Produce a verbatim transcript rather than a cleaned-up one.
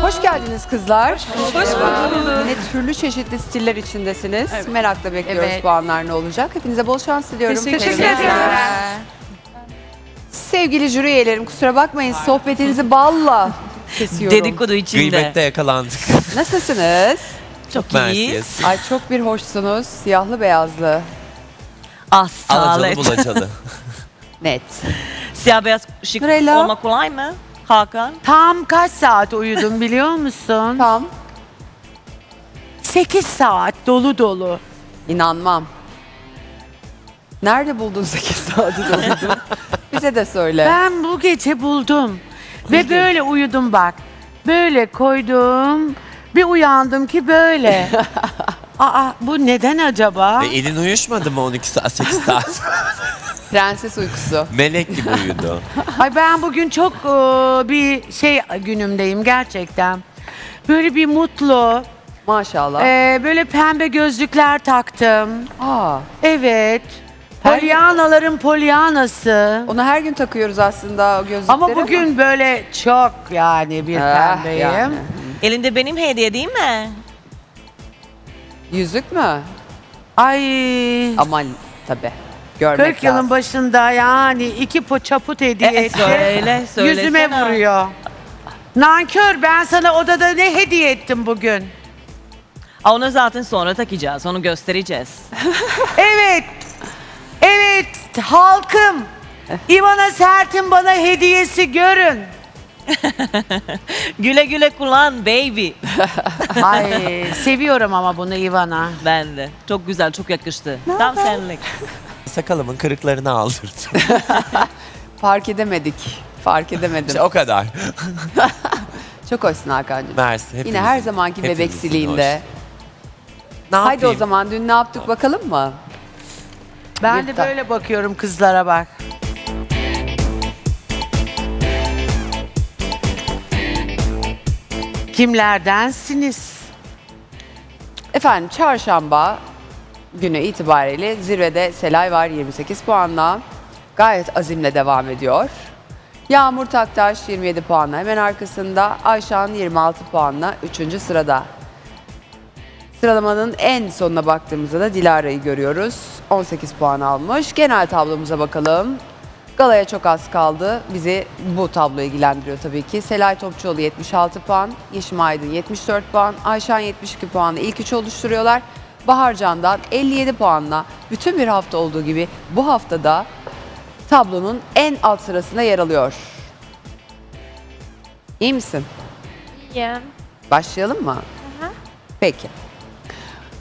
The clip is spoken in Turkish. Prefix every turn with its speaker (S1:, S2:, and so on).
S1: Hoş geldiniz kızlar.
S2: Hoş bulduk.
S1: Yine türlü çeşitli stiller içindesiniz.
S2: Evet.
S1: Merakla bekliyoruz
S2: Evet.
S1: puanlar ne olacak. Hepinize bol şans diliyorum.
S2: Teşekkür
S1: Teşekkür
S2: ederim.
S1: ederim. Sevgili jüri üyelerim, kusura bakmayın sohbetinizi balla kesiyorum.
S3: Dedikodu içinde.
S4: Gıybette yakalandık.
S1: Nasılsınız?
S3: Çok
S4: Mersi.
S3: iyiyiz.
S1: Ay çok bir hoşsunuz. Siyahlı beyazlı.
S3: Ah
S4: Alacalı
S3: sağlık.
S4: bulacalı.
S1: Net.
S3: Siyah beyaz şık
S1: Nurella.
S3: olmak kolay mı Hakan?
S2: Tam kaç saat uyudum biliyor musun?
S1: Tam.
S2: sekiz saat dolu dolu.
S1: İnanmam. Nerede buldun sekiz saati doludu? Bize de söyle.
S2: Ben bu gece buldum. Ve böyle uyudum bak. Böyle koydum. Bir uyandım ki böyle. Aa bu neden acaba?
S4: e, elin uyuşmadı mı on iki saat, sekiz saat?
S1: Prenses uykusu.
S4: Melek gibi uyudu.
S2: Ay ben bugün çok e, bir şey günümdeyim gerçekten. Böyle bir mutlu.
S1: Maşallah.
S2: e, böyle pembe gözlükler taktım.
S1: Aa,
S2: Evet.
S1: Her-
S2: Polyanaların polyanası.
S1: onu her gün takıyoruz aslında o gözlükleri.
S2: Ama bugün böyle çok yani bir
S1: Ah,
S2: pembeyim.
S1: yani.
S3: Elinde benim hediye değil mi?
S1: Yüzük mü?
S2: Ay.
S1: Aman tabii. Görmek
S2: kırk yılın
S1: lazım.
S2: başında yani iki po çaput hediye
S3: E,
S2: etti.
S3: söyle, söylesene.
S2: Yüzüme vuruyor. Nankör, ben sana odada ne hediye ettim bugün?
S3: Aa, onu zaten sonra takacağız. Onu göstereceğiz.
S2: Evet. Evet halkım. İvana Sert'in bana hediyesi görün.
S3: Güle güle kullan baby.
S2: Ay seviyorum ama bunu İvana.
S3: Ben de. Çok güzel, çok yakıştı. Tam senlik.
S4: Sakalımın kırıklarını aldırdım.
S1: Fark edemedik. Fark edemedim.
S4: İşte o kadar.
S1: Çok hoşsun Hakan'cığım.
S4: Mersi.
S1: Yine
S4: hepinizin-
S1: her zamanki
S4: hepinizin
S1: bebeksiliğinde.
S4: hoş. Ne
S1: Haydi o
S4: yapayım?
S1: zaman dün ne yaptık bakalım mı?
S2: Ben de
S1: Yurtta.
S2: böyle bakıyorum kızlara bak. Kimlerdensiniz?
S1: Efendim çarşamba günü itibariyle zirvede Selay var yirmi sekiz puanla. Gayet azimle devam ediyor. Yağmur Taktaş yirmi yedi puanla hemen arkasında. Ayşan yirmi altı puanla üçüncü sırada. Sıralamanın en sonuna baktığımızda da Dilara'yı görüyoruz. on sekiz puan almış. Genel tablomuza bakalım. Galaya çok az kaldı. Bizi bu tablo ilgilendiriyor tabii ki. Selay Topçuoğlu yetmiş altı puan, Yeşim Aydın yetmiş dört puan, Ayşan yetmiş iki puanla ilk üçü oluşturuyorlar. Bahar Candan elli yedi puanla bütün bir hafta olduğu gibi bu haftada tablonun en alt sırasında yer alıyor. İyi misin?
S5: İyiyim.
S1: Başlayalım mı? Peki.